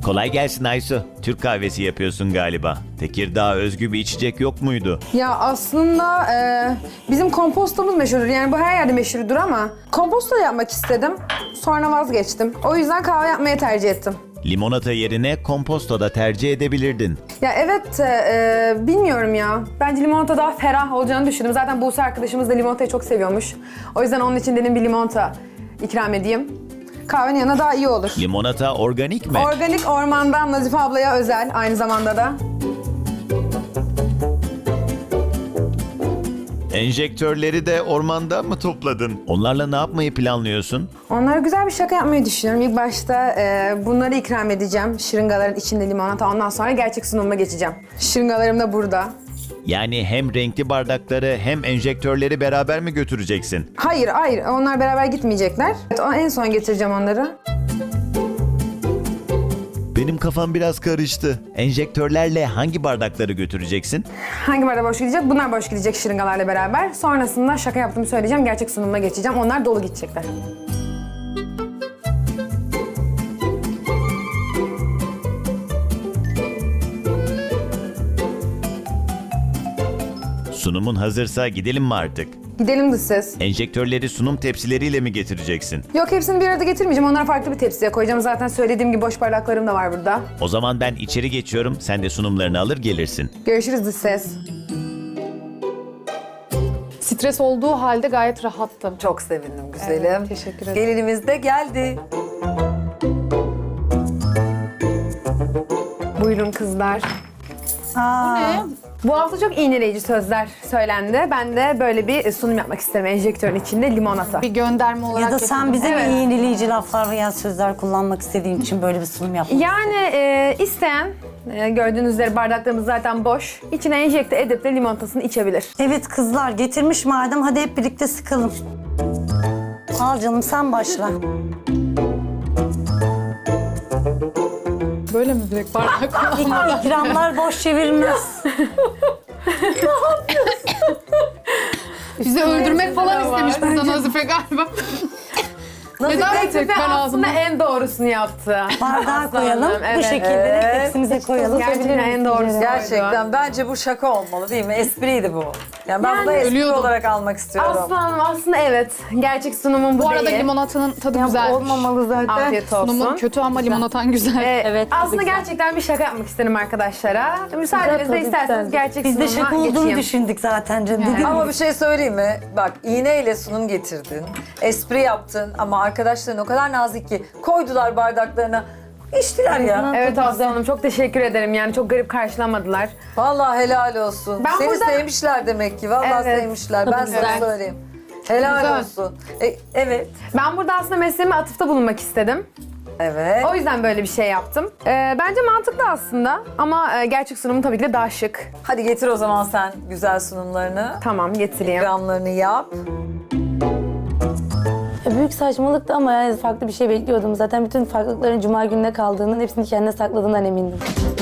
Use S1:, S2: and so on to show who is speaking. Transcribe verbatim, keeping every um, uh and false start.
S1: Kolay gelsin Aysu. Türk kahvesi yapıyorsun galiba. Tekirdağ özgü bir içecek yok muydu?
S2: Ya aslında e, bizim kompostomuz meşhurdur. Yani bu her yerde meşhurdur ama komposto yapmak istedim. Sonra vazgeçtim. O yüzden kahve yapmayı tercih ettim.
S1: Limonata yerine komposto da tercih edebilirdin.
S2: Ya evet, e, e, bilmiyorum ya. Bence limonata daha ferah olacağını düşündüm. Zaten Buse arkadaşımız da limonatayı çok seviyormuş. O yüzden onun için dedim bir limonata ikram edeyim. Kahvenin yanına daha iyi olur.
S1: Limonata organik mi?
S2: Organik ormandan Nazife ablaya özel aynı zamanda da.
S1: Enjektörleri de ormanda mı topladın? Onlarla ne yapmayı planlıyorsun?
S2: Onlara güzel bir şaka yapmayı düşünüyorum. İlk başta e, bunları ikram edeceğim. Şırıngaların içinde limonata. Ondan sonra gerçek sunumuma geçeceğim. Şırıngalarım da burada.
S1: Yani hem renkli bardakları hem enjektörleri beraber mi götüreceksin?
S2: Hayır, hayır. Onlar beraber gitmeyecekler. Evet, o- en son getireceğim onları.
S1: Benim kafam biraz karıştı. Enjektörlerle hangi bardakları götüreceksin?
S2: Hangi bardak boş gidecek? Bunlar boş gidecek şırıngalarla beraber. Sonrasında şaka yaptığımı söyleyeceğim. Gerçek sunumuma geçeceğim. Onlar dolu gidecekler.
S1: Sunumun hazırsa gidelim mi artık?
S2: Gidelim de siz.
S1: Enjektörleri sunum tepsileriyle mi getireceksin?
S2: Yok, hepsini bir arada getirmeyeceğim. Onları farklı bir tepsiye koyacağım. Zaten söylediğim gibi boş bardaklarım da var burada.
S1: O zaman ben içeri geçiyorum, sen de sunumlarını alır gelirsin.
S2: Görüşürüz dış ses.
S3: Stres olduğu halde gayet rahattım.
S4: Çok sevindim güzelim.
S3: Evet, teşekkür ederim.
S4: Gelinimiz de geldi.
S2: Buyurun kızlar.
S3: Ne?
S2: Bu hafta çok iğneleyici sözler söylendi. Ben de böyle bir sunum yapmak isterim. Enjektörün içinde limonata.
S3: Bir gönderme olarak
S5: Ya da sen
S3: getirdim.
S5: bize
S2: Evet.
S5: mi iğneleyici laflar veya sözler kullanmak istediğin için böyle bir sunum yapmak?
S2: Yani e, isteyen, e, gördüğünüz üzere bardaklarımız zaten boş. İçine enjekte edip de limonatasını içebilir.
S5: Evet kızlar getirmiş madem hadi hep birlikte sıkalım. Al canım sen başla.
S3: Böyle mi direkt bardak kullanmak?
S5: İk- İkramlar boş çevirmez.
S3: Bizi öldürmek falan istemiş burada Nazife galiba. Neden bir tek
S2: Nazife
S3: ben
S2: aslında
S3: ağzımda?
S2: en doğrusunu yaptı.
S5: Bardağa koyalım.
S2: evet.
S5: Bu şekilde de tepsimize koyalım.
S2: Gerçekten en doğrusu.
S4: Gerçekten bence bu şaka olmalı değil mi? Espriydi bu. Yani ben bunu
S2: Yani-
S4: espri
S3: Ölüyordum.
S4: olarak almak istiyorum.
S2: Aslanım aslında evet. Gerçek sunumum bu,
S3: Bu arada
S2: değil.
S3: limonatanın tadı güzelmiş.
S5: Olmamalı zaten.
S2: Afiyet olsun.
S3: Sunumun kötü ama limonatan güzel.
S2: Ee,
S5: Evet, tadı
S2: aslında
S5: güzel.
S2: gerçekten bir şaka yapmak isterim arkadaşlara. Müsaadenizle isterseniz gerçek
S5: Biz de
S2: sunumuma
S5: şaka olduğunu
S2: geçeyim.
S5: düşündük zaten canım. Dediğim
S4: Ama
S5: gibi.
S4: bir şey söyleyeyim mi? Bak iğneyle sunum getirdin. Espri yaptın ama arkadaşların o kadar nazik ki koydular bardaklarına. İçtiler ya.
S2: Evet Aslanım, çok teşekkür ederim. Yani çok garip karşılamadılar.
S4: Vallahi helal olsun.
S2: Ben
S4: Seni
S2: burada-
S4: sevmişler demek ki. Vallahi
S2: Evet.
S4: sevmişler. Ben sana
S2: güzel.
S4: söyleyeyim. Helal
S3: Güzel.
S4: olsun. E, evet.
S2: Ben burada aslında mesleğime atıfta bulunmak istedim.
S4: Evet.
S2: O yüzden böyle bir şey yaptım. Ee, bence mantıklı aslında ama e, gerçek sunumu tabii ki de daha şık.
S4: Hadi getir o zaman sen güzel sunumlarını.
S2: Tamam, getireyim.
S4: İkramlarını yap.
S6: Ya büyük saçmalıktı ama yani farklı bir şey bekliyordum. Zaten bütün farklılıkların cuma gününe kaldığının hepsini kendine sakladığından emindim.